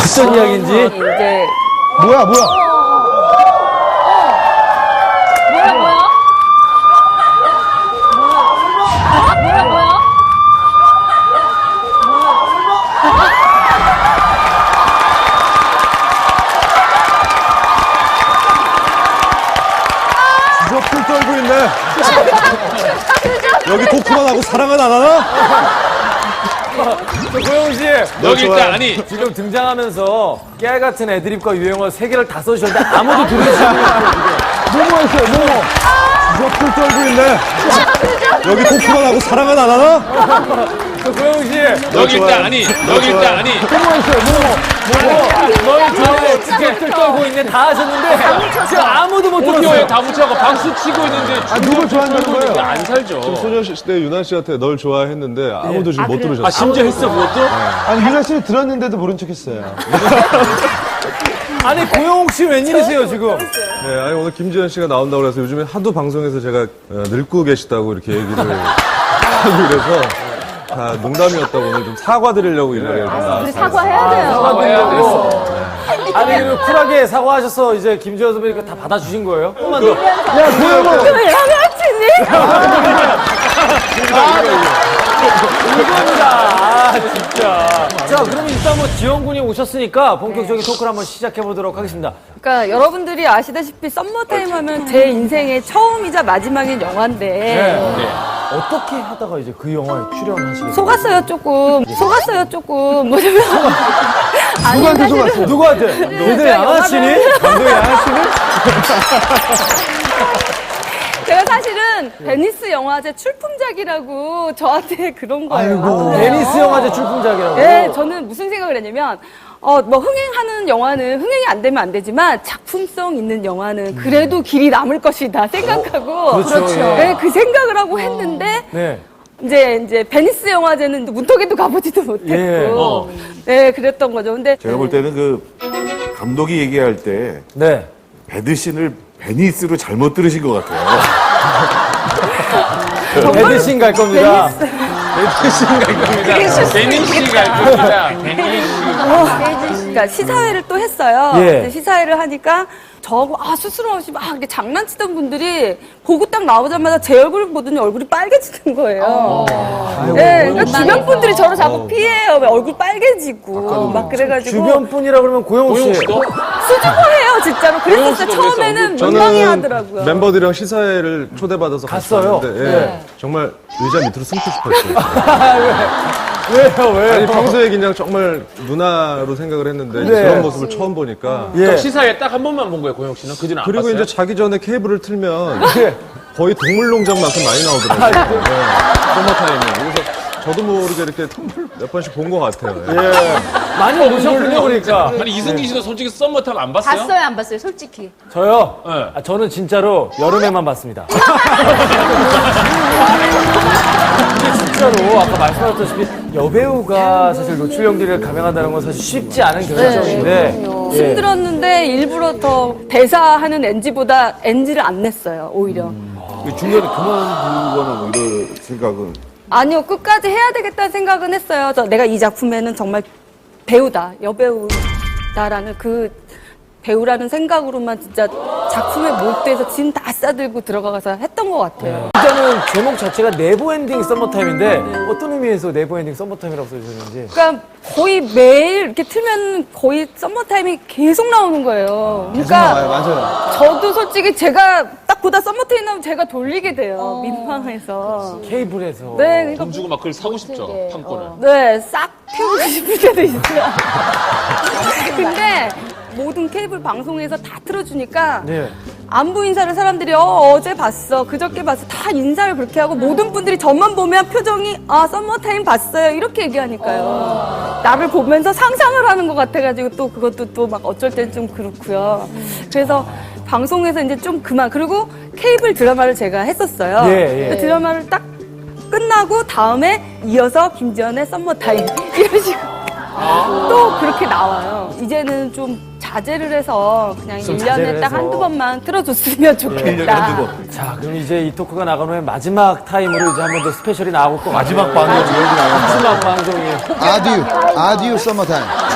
어떤 이야기인지. 이제 뭐야? 뭐야? 진짜 풀 떨고 있네. 여기 토크만 하고 사랑은 안 하나? 고영훈 씨, 여기 있다. 아니, 지금 등장하면서 깨알 같은 애드립과 유행어 3개를 다 써주셨는데 아무도 들으시지 않아요. 뭐뭐 했어요, 뭐뭐. 진짜 풀 떨고 있네. 여기 토크만 하고 사랑은 안 하나? 고영훈 씨, 여기 있다. 아니, 여기 있다. 아니. 뭐뭐 했어요, 뭐뭐. 뭘 좋아해, 티켓을 떨고 있네, 다 하셨는데 지금 아무도 못 오디오에 들었어요. 다 붙여갖고 박수 치고 있는데. 누굴 좋아한다는 거예요? 안 살죠. 소녀시대 유나 씨한테 널 좋아했는데 아무도 지금 못 들으셨어요. 아, 심지어 했어, 그것도? 아니 유나 씨 들었는데도 모른 척했어요. 아니, 고영욱 씨 웬일이세요, 지금? 네, 아니 오늘 김지현 씨가 나온다고 그래서 요즘에 하도 방송에서 제가 늙고 계시다고 이렇게 얘기를 하고 그래서 다 농담이었다고 오늘 좀 사과드리려고 이 자리에 좀 나왔어요. 우리 사과해야 돼요. 사과해야 되겠어. 아니, 그 쿨하게 사과하셔서 이제 김지현 선배님께 다 받아주신 거예요? 조금만 더. 야, 고영호! 왜 양아치니? 이겁니다. 아, 진짜. 자, 그러면 일단 뭐 지원 군이 오셨으니까 본격적인 토크를 한번 시작해 보도록 하겠습니다. 그러니까 여러분들이 아시다시피 썸머타임 하면 제 인생의 처음이자 마지막인 영화인데 어떻게 하다가 이제 그 영화에 출연하시게 됐어요? 속았어요 조금 뭐냐면 누구한테 속았어요? 누구한테? 얘들 양아치니? 감독이 양아치니? 제가 사실은 베니스 영화제 출품작이라고 저한테 그런 거예요. 아이고. 베니스 영화제 출품작이라고. 네, 저는 무슨 생각을 했냐면, 뭐, 흥행하는 영화는 흥행이 안 되면 안 되지만, 작품성 있는 영화는 그래도 길이 남을 것이다 생각하고, 그렇죠. 예. 네, 그 생각을 하고 했는데, 네. 이제 베니스 영화제는 문턱에도 가보지도 못했고, 네, 그랬던 거죠. 근데, 제가 볼 때는 그 감독이 얘기할 때 네. 배드신을 베니스로 잘못 들으신 것 같아요. 배드신 갈 겁니다. 베니시 갈 겁니다. 베니시 갈 겁니다. 베니시. 그러니까 시사회를 또 했어요. 예. 근데 시사회를 하니까 저하고 스스럼 없이 막 이렇게 장난치던 분들이 보고 딱 나오자마자 제 얼굴을 보더니 얼굴이 빨개지는 거예요. 네, 그러니까 주변 분들이 저를 자꾸 피해요. 왜 얼굴 빨개지고 막 그래가지고 주변 분이라 그러면 고영욱 씨. 고용 씨도? 수줍어해요 진짜로. 그랬었어요. 씨도 처음에는 그랬어. 민망해 하더라고요. 멤버들이랑 시사회를 초대받아서 갔어요? 갔었는데 예, 정말 의자 밑으로 숨고 싶었어요. 왜요? 아니 평소에 그냥 정말 누나로 생각을 했는데 네. 저런 모습을 처음 보니까 예. 시사에 딱 한 번만 본 거예요, 고영 씨는? 그 뒤는 안 그리고 봤어요? 이제 자기 전에 케이블을 틀면 예. 거의 동물농장만큼 많이 나오더라고요. 서머타임에. 그래서 저도 모르게 이렇게 몇 번씩 본 것 같아요. 예. 많이 오셨군요, 그러니까. 아니, 이승기 씨도 솔직히 썸머탑 안 봤어요? 봤어요, 안 봤어요, 솔직히? 저요? 네. 저는 진짜로 여름에만 봤습니다. 근데 진짜로 아까 말씀하셨다시피 여배우가 사실 노출연기를 감행한다는 건 사실 쉽지 않은 결정인데 힘들었는데 일부러 더 대사하는 NG보다 NG를 안 냈어요. 오히려. 중간에 그만두거나 뭐 이런 생각은 아니요, 끝까지 해야 되겠다는 생각은 했어요. 내가 이 작품에는 정말 배우다, 여배우다라는 그 배우라는 생각으로만 진짜 작품에 몰두해서 짐 다 싸들고 들어가서 했던 것 같아요. 일단은 제목 자체가 네버엔딩 썸머타임인데 어떤 의미에서 네버엔딩 썸머타임이라고 써주셨는지. 그러니까 거의 매일 이렇게 틀면 거의 썸머타임이 계속 나오는 거예요. 그러니까 맞아요. 저도 솔직히 제가 딱 보다 썸머타임 나오면 제가 돌리게 돼요. 민망해서. 케이블에서. 네, 그러니까 돈 주고 막 그걸 사고 싶죠, 판권을. 네, 싹 태우고 싶을 때도 있어요. 근데 모든 케이블 방송에서 다 틀어주니까 네. 안부 인사를 사람들이 어제 봤어, 그저께 봤어 다 인사를 그렇게 하고 모든 분들이 저만 보면 표정이 썸머타임 봤어요 이렇게 얘기하니까요. 나를 보면서 상상을 하는 것 같아가지고 또 그것도 또 막 어쩔 땐 좀 그렇고요. 그래서 방송에서 이제 좀 그만. 그리고 케이블 드라마를 제가 했었어요. 예. 그 드라마를 딱 끝나고 다음에 이어서 김지연의 썸머타임 이런 식으로 또 그렇게 나와요. 이제는 좀 자제를 해서 그냥 좀 1년에 자제를 딱 해서. 한두 번만 틀어줬으면 좋겠다. 자, 그럼 이제 이 토크가 나간 후에 마지막 타임으로 이제 한 번 더 스페셜이 나올 것 같아요. 마지막 방송이 여기 나옵니다. 마지막 방송이에요. 아듀 서머타임.